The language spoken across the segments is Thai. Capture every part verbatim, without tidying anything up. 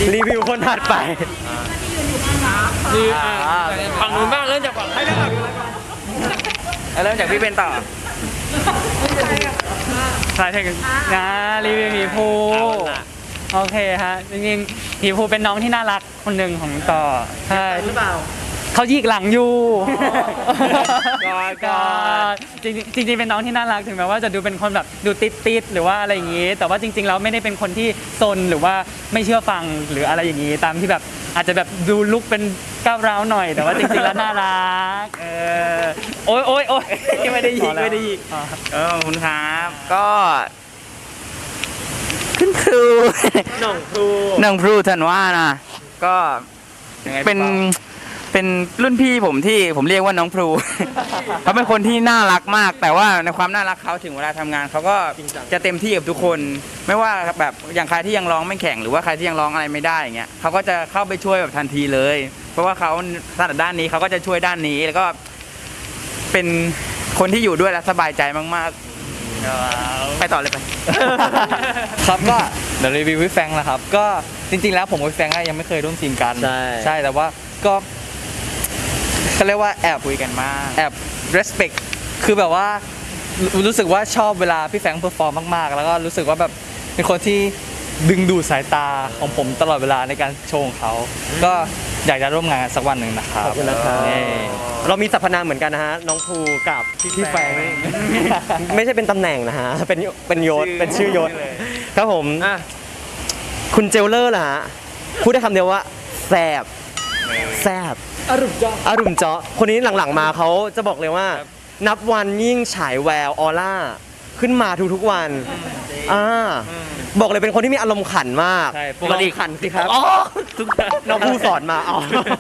รีวิวคนถัดไปคือฝั่งนู้นบ้างเริ่มจากฝั่งให้เริ่มเริ่มจากพี่เป็นต่อสายเทคนะรีวิวหมีภูโอเคฮะจริงๆหมีภูเป็นน้องที่น่ารักคนหนึ่งของต่อใช่หรือเปล่าเขายิกหลังอยู่ก็จริงจริงเป็นน้องที่น่ารักถึงแม้ว่าจะดูเป็นคนแบบดูติดติดหรือว่าอะไรอย่างนี้แต่ว่าจริงๆแล้วไม่ได้เป็นคนที่ซนหรือว่าไม่เชื่อฟังหรืออะไรอย่างนี้ตามที่แบบอาจจะแบบดูลุกเป็นก้าวร้าวหน่อยแต่ว่าจริงๆแล้วน่ารักเออโอ๊ยโอ๊ยโอ๊ยไม่ได้ยิกไม่ได้ยิกเออขอบคุณครับก็ขึ้นครูน้องครูน้องครูท่านว่านะก็เป็นเป็นรุ่นพี่ผมที่ผมเรียกว่าน้องพลู เขาเป็นคนที่น่ารักมากแต่ว่าในความน่ารักเขาถึงเวลาทำงานเขาก็จะเต็มที่กับทุกคนไม่ว่าแบบอย่างใครที่ยังร้องไม่แข่งหรือว่าใครที่ยังร้องอะไรไม่ได้อย่างเงี้ยเขาก็จะเข้าไปช่วยแบบทันทีเลย เพราะว่าเขาถนัดด้านนี้เขาก็จะช่วยด้านนี้แล้วก็เป็นคนที่อยู่ด้วยแล้วสบายใจมากๆไปต่อเลยไปครับก็เดี๋ยวรีวิวพี่แฟงนะครับก็จริงๆแล้วผมกับพี่แฟงยังไม่เคยร่วมทีมกันใช่ใช่แต่ว่าก็เขาเรียกว่าแอบคุยกันมากแอบ respect คือแบบว่ารู้สึกว่าชอบเวลาพี่แฟงเพอร์ฟอร์มมากๆแล้วก็รู้สึกว่าแบบเป็นคนที่ดึงดูดสายตาของผมตลอดเวลาในการโชว์ของเขาก็อยากจะร่วมงานสักวันหนึ่งนะครับขอบคุณนะครับเรามีสรรพนามเหมือนกันนะฮะน้องภูกับพี่แฟงไม่ใช่เป็นตำแหน่งนะฮะเป็นเป็นยศเป็นชื่อยศครับผมคุณเจลเลอร์ล่ะฮะพูดได้คำเดียวว่าแซบแซบอรุมเจาะอรุมเจาะคนนี้หลังๆมาเขาจะบอกเลยว่านับวันยิ่งฉายแววออร่าขึ้นมาทุกๆวันอ่าบอกเลยเป็นคนที่มีอารมณ์ขันมากปกติขันสิครับอ๋อน้องผู้สอนมาอ๋อ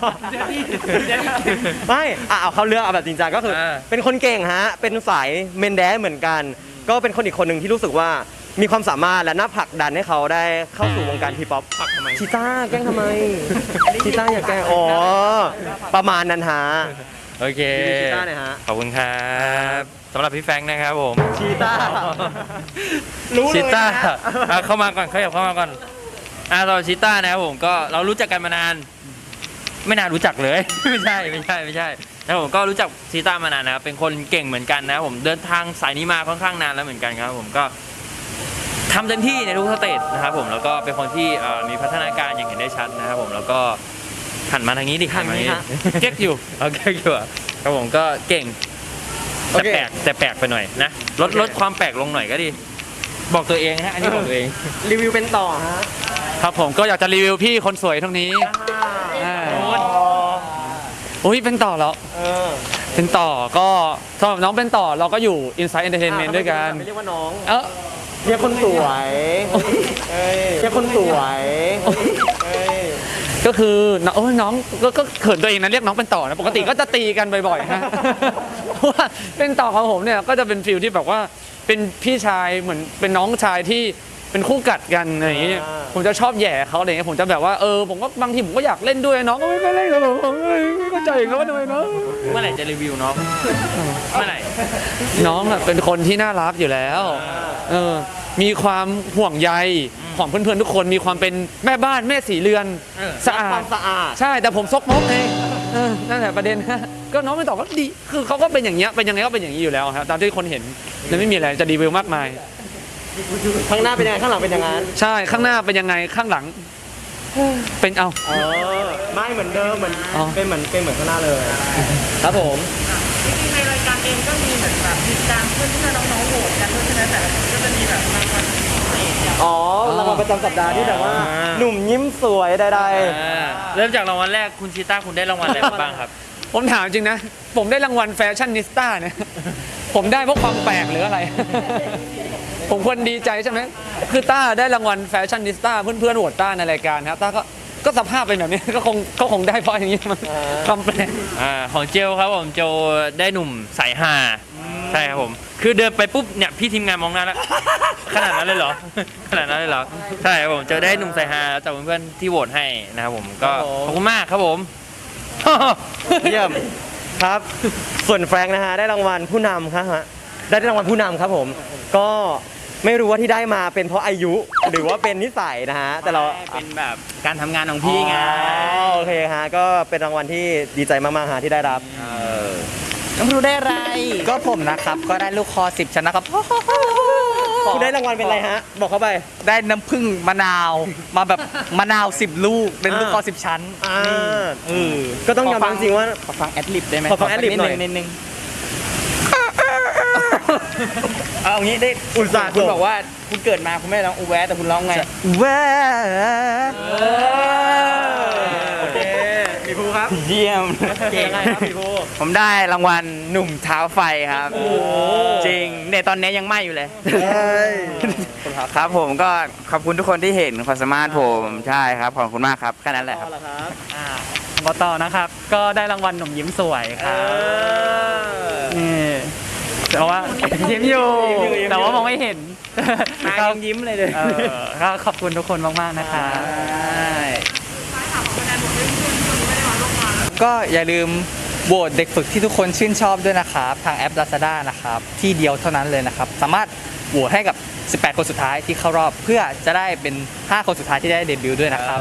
ไม่อ่ะเอาเข้าเรื่องเอาแบบจริงจังก็คือเป็นคนเก่งฮะเป็นสายเมนแดนเหมือนกันก็เป็นคนอีกคนหนึ่งที่รู้สึกว่ามีความสามารถและน่าผลักดันให้เขาได้เข้าสู่วงการทีป๊อปชีต้าแกล้งทำไมชีต้าอย่าแกล้งอ๋อประมาณนั้นฮะโอเคชีต้าเนี่ยฮะขอบคุณครับสำหรับพี่แฟงนะครับผมชีต้ารู้เลยชีต้าเข้ามาก่อนขยับเข้ามาก่อนอ่าเราชีต้านะครับผมก็เรารู้จักกันมานานไม่นานรู้จักเลยไม่ใช่ไม่ใช่ไม่ใช่แล้วผมก็รู้จักชีต้ามานานนะครับเป็นคนเก่งเหมือนกันนะผมเดินทางสายนี้มาค่อนข้างนานแล้วเหมือนกันครับผมก็ทำเต็มที่ในทุกสเตจนะครับผมแล้วก็เป็นคนที่มีพัฒนาการอย่างเห็นได้ชัดนะครับผมแล้วก็หันมาทางนี้ดิหันมาทางนี้เก๊กอยู่เอาเก๊กอยู่ครับผมก็เก่งแต่แปลกแต่แปลกไปหน่อยนะลดลดความแปลกลงหน่อยก็ดีบอกตัวเองฮะอันนี้บอกตัวเองรีวิวเป็นต่อฮะครับผมก็อยากจะรีวิวพี่คนสวยตรงนี้โอ้ยเป็นต่อแล้วเป็นต่อก็สำหรับน้องเป็นต่อเราก็อยู่ Inside Entertainment ด้วยกันไม่เรียกว่าน้องเออเรียกคนสวยเรียกคนสวยก็คือน้องน้องก็เขินตัวเองนะเรียกน้องเป็นต่อนะปกติก็จะตีกันบ่อยๆฮะเพราะว่าเป็นต่อของผมเนี่ยก็จะเป็นฟิลที่แบบว่าเป็นพี่ชายเหมือนเป็นน้องชายที่เป็นคู่กัดกันอะไรอย่างเงี้ยผมจะชอบแย่เขาอะไรเงี้ยผมจะแบบว่าเออผมก็บางทีผมก็อยากเล่นด้วยน้องก็ไม่เล่นกับผมไม่เข้าใจเขาทำไมเนาะเมื่อไหร่จะรีวิวน้องเมื่อไหร่น้องเป็นคนที่น่ารักอยู่แล้วเออมีความห่วงใยของเพื่อนๆทุกคนมีความเป็นแม่บ้านแม่สีเรือนสะอาดสะอาดใช่แต่ผมซกมกเองนั่นแหละประเด็นก็น้องไม่ตอบก็ดีคือเขาก็เป็นอย่างเงี้ยเป็นยังไงก็เป็นอย่างนี้อยู่แล้วครับตามที่คนเห็นแล้วไม่มีอะไรจะรีวิวมากมายข้างหน้าเป็นยังไงข้างหลังเป็นยังไงใช่ข้างหน้าเป็นยังไงข้างหลังเป็นเอาเออไม่เหมือนเดิมเหมือนเป็นเหมือนเป็นเหมือนข้างหน้าเลยครับผมจริงๆในรายการเองก็มีเหมือนแบบมีการเพื่อนที่น้องๆโหวตกันด้วยใช่ไหมแต่ละคนก็จะมีแบบรางวัลพิเศษอ๋อรางวัลประจำสัปดาห์ที่แบบว่าหนุ่มยิ้มสวยใดๆเริ่มจากรางวัลแรกคุณชีต้าคุณได้รางวัลอะไรบ้างครับผมถามจริงนะผมได้รางวัลแฟชั่นนิสต้าเนี่ยผมได้เพราะความแปลกหรืออะไรผมควรดีใจใช่ไหมคือต้าได้รางวัลแฟชั่นนิสต้าเพื่อนๆโหวตต้าในรายการครับต้าก็ก็สภาพเป็นแบบนี้ก็คงก็คงได้เพราะอย่างนี้มันความแปลกอ่าของเจลครับผมเจลได้หนุ่มสายฮาใช่ครับผมคือเดินไปปุ๊บเนี่ยพี่ทีมงานมองหน้าแล้วขนาดนั้นเลยเหรอขนาดนั้นเลยเหรอใช่ครับผมเจอได้หนุ่มสายฮาจากเพื่อนๆที่โหวตให้นะครับผมก็ขอบคุณมากครับผมเยี่ยมครับส่วนแฟรงค์นะฮะได้รางวัลผู้นำครับฮะได้รางวัลผู้นำครับผมก็ไม่รู้ว่าที่ได้มาเป็นเพราะอายุหรือว่าเป็นนิสัยนะฮะแต่เราเป็นแบบการทำงานของพี่ไงอ๋อโอเคฮะก็เป็นรางวัลที่ดีใจมากๆฮะที่ได้รับน้องรู้ได้อะไรก็ผมนะครับก็ได้ลูกคอสิบชั้นนะครับคุณได้รางวัลเป็นอะไรฮะบอกเขาไปได้น้ำผึ้งมะนาวมาแบบมะนาวสิบลูกเป็นลูกคอสิบชั้นอ่าเออก็ต้องยอมรับจริงๆว่าขอฟังแอดลิบได้ไหมขอฟัง ad lib หน่อยนิดนึงเอางี้ได้อุตส่าห์คุณส่งบอกว่าคุณเกิดมาคุณไม่ได้ร้องอูแวะแต่คุณร้องไงแวโอเคมีภูครับเยี่ยมเก่งไงครับมีภูผมได้รางวัลหนุ่มเท้าไฟครับ จริงเนี่ยตอนนี้ยังไหม้อยู่เลย ครับผมก็ขอบคุณทุกคนที่เห็นความสามารถผมใช่ครับขอบคุณมากครับแค่นั้นแหละครับต่อเหรอครับบต่อนะครับ ก็ได้รางวัลหนุ่มยิ้มสวยครับนี่แต่ว่า ยิ้มอยู่แต่ว่ามองไม่เห็นมายังยิ้มเลยเลยเออก็ขอบคุณทุกคนมากๆนะครับก็อย่าลืมโหวตเด็กฝึกที่ทุกคนชื่นชอบด้วยนะครับ ทางแอป Lazada นะครับ ที่เดียวเท่านั้นเลยนะครับ สามารถโหวตให้กับ สิบแปด คนสุดท้ายที่เข้ารอบ เพื่อจะได้เป็น ห้า คนสุดท้ายที่ได้เดบิวต์ด้วยนะครับ